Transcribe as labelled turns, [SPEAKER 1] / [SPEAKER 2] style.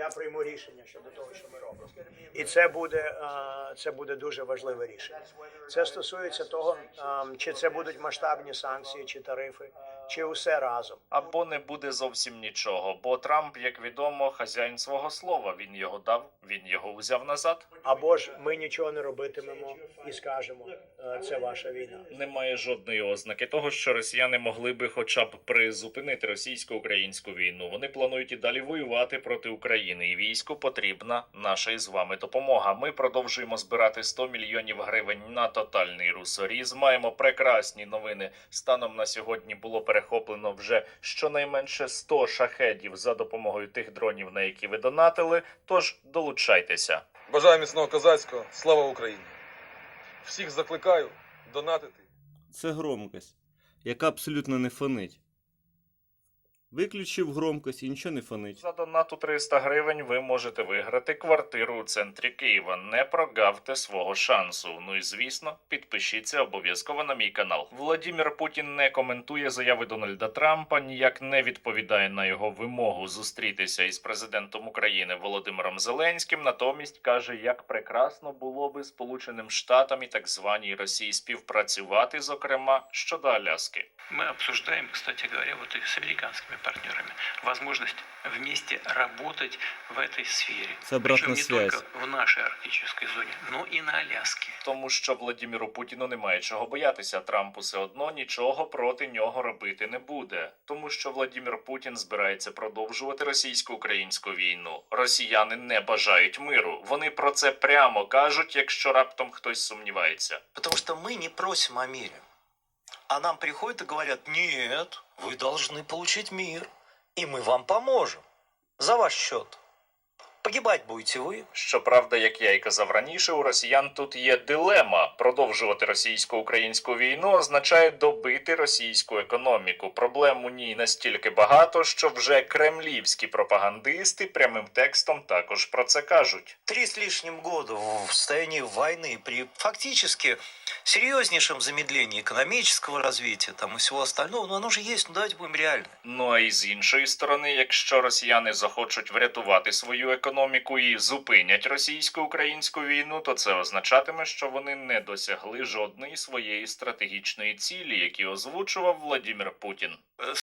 [SPEAKER 1] я прийму рішення щодо того, що ми робимо. І це буде дуже важливе рішення. Це стосується того, чи це будуть масштабні санкції, чи тарифи, чи усе разом.
[SPEAKER 2] Або не буде зовсім нічого, бо Трамп, як відомо, хазяїн свого слова. Він його дав, він його узяв назад.
[SPEAKER 1] Або ж ми нічого не робитимемо і скажемо, це ваша війна.
[SPEAKER 2] Немає жодної ознаки того, що росіяни могли би хоча б призупинити російсько-українську війну. Вони планують і далі воювати проти України, і війську потрібна наша із вами допомога. Ми продовжуємо збирати 100 мільйонів гривень на тотальний русоріз. Маємо прекрасні новини. Станом на сьогодні було перехоплено вже щонайменше 100 шахедів за допомогою тих дронів, на які ви донатили. Тож долучайтеся.
[SPEAKER 3] Бажаю міцного козацького. Слава Україні! Всіх закликаю донатити.
[SPEAKER 4] Це громкость, яка абсолютно не фонить. Виключив громкость і нічого не фонить.
[SPEAKER 2] За донату 300 гривень ви можете виграти квартиру у центрі Києва. Не прогавте свого шансу. Ну і звісно, підпишіться обов'язково на мій канал. Владимир Путін не коментує заяви Дональда Трампа, ніяк не відповідає на його вимогу зустрітися із президентом України Володимиром Зеленським. Натомість каже, як прекрасно було би Сполученим Штатам і так званій Росії співпрацювати, зокрема, щодо Аляски.
[SPEAKER 5] Мы обсуждаем, кстати говоря, вот и с американскими партнерами возможность вместе работать в этой сфере.
[SPEAKER 4] Це обратна
[SPEAKER 5] Причем не
[SPEAKER 4] связь.
[SPEAKER 5] только в нашей арктической зоне, но и на Аляске.
[SPEAKER 2] Тому що Владимиру Путіну немає чого боятися. Трамп усе одно нічого проти нього робити не буде. Тому що Владимир Путін збирається продовжувати російсько-українську війну. Росіяни не бажають миру. Вони про це прямо кажуть, якщо раптом хтось сумнівається.
[SPEAKER 6] Потому что мы не просим о мире. А нам приходят и говорят: нет, вы должны получить мир, и мы вам поможем. За ваш счет. Погибать будете вы.
[SPEAKER 2] Щоправда, як я і казав раніше, у росіян тут є дилема. Продовжувати російсько-українську війну означає добити російську економіку. Проблем у ній настільки багато, що вже кремлівські пропагандисти прямим текстом також про це кажуть.
[SPEAKER 6] 3 с лишним года в состоянии войны при фактически серьезнейшем замедлении экономического развития там, и всего остального, но оно же есть, ну давайте будем реальны.
[SPEAKER 2] Ну а і з іншої сторони, якщо росіяни захочуть врятувати свою економіку і зупинять російсько-українську війну, то це означатиме, що вони не досягли жодної своєї стратегічної цілі, які озвучував Владимир Путін.